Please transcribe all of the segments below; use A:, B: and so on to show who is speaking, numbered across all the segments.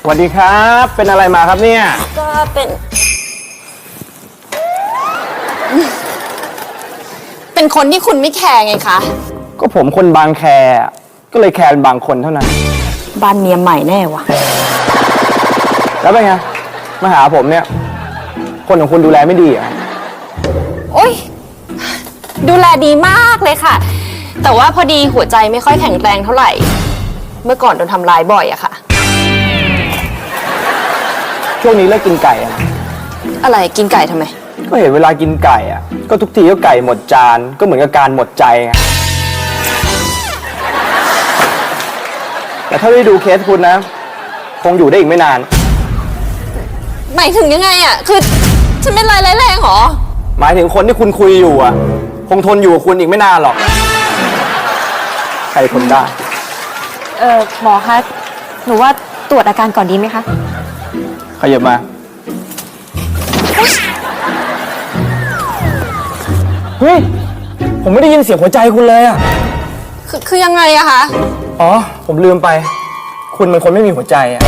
A: สวัสดีครับเป็นอะไรมาครับเนี่ย
B: ก็เป็นคนที่คุณไม่แคร์ไงคะ
A: ก็ผมคนบางแคก็เลยแคร์บางคนเท่านั้น
B: บ้านเมียใหม่แน่วะ
A: แล้วเป็นไงมาหาผมเนี่ยคนของคุณดูแลไม่ดีอ่ะ
B: โอ๊ยดูแลดีมากเลยค่ะแต่ว่าพอดีหัวใจไม่ค่อยแข็งแรงเท่าไหร่เมื่อก่อนโดนทำร้ายบ่อยอะค่ะ
A: ช่วงนี้เลิกกินไก่อะ
B: อะไรกินไก่ทำไม
A: ก็เห็นเวลากินไก่อะก็ทุกทีก็ไก่หมดจานก็เหมือนกับการหมดใจไงแต่ถ้าได้ดูเคสคุณนะคงอยู่ได้อีกไม่นาน
B: หมายถึงยังไงอะคือฉันเป็นไรร้ายแรงหรอ
A: หมายถึงคนที่คุณคุยอยู่อะคงทนอยู่กับคุณอีกไม่นานหรอกใครทนได้
C: หมอคะหนูว่าตรวจอาการก่อนดีไหมคะ
A: ขยับมาเฮ้ยผมไม่ได้ยินเสียงหัวใจคุณเลยอะ
B: คือยังไงอะคะ
A: อ๋อผมลืมไปคุณเป็นคนไม่มีหัวใจอะ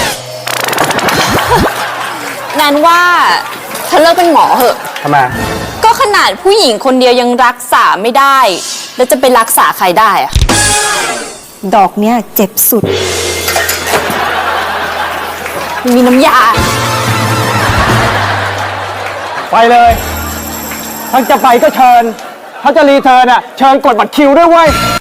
B: แนนว่าเธอเลิกเป็นหมอเหอะ
A: ทำไม
B: ก็ขนาดผู้หญิงคนเดียวยังรักษาไม่ได้แล้วจะไปรักษาใครได้อะ
C: ดอกเนี้ยเจ็บสุด
B: มีน้ำยา
A: ไปเลยถ้าจะไปก็เชิญถ้าจะรีเทิร์นอ่ะเชิญกดบัตรคิวด้วยเว้ย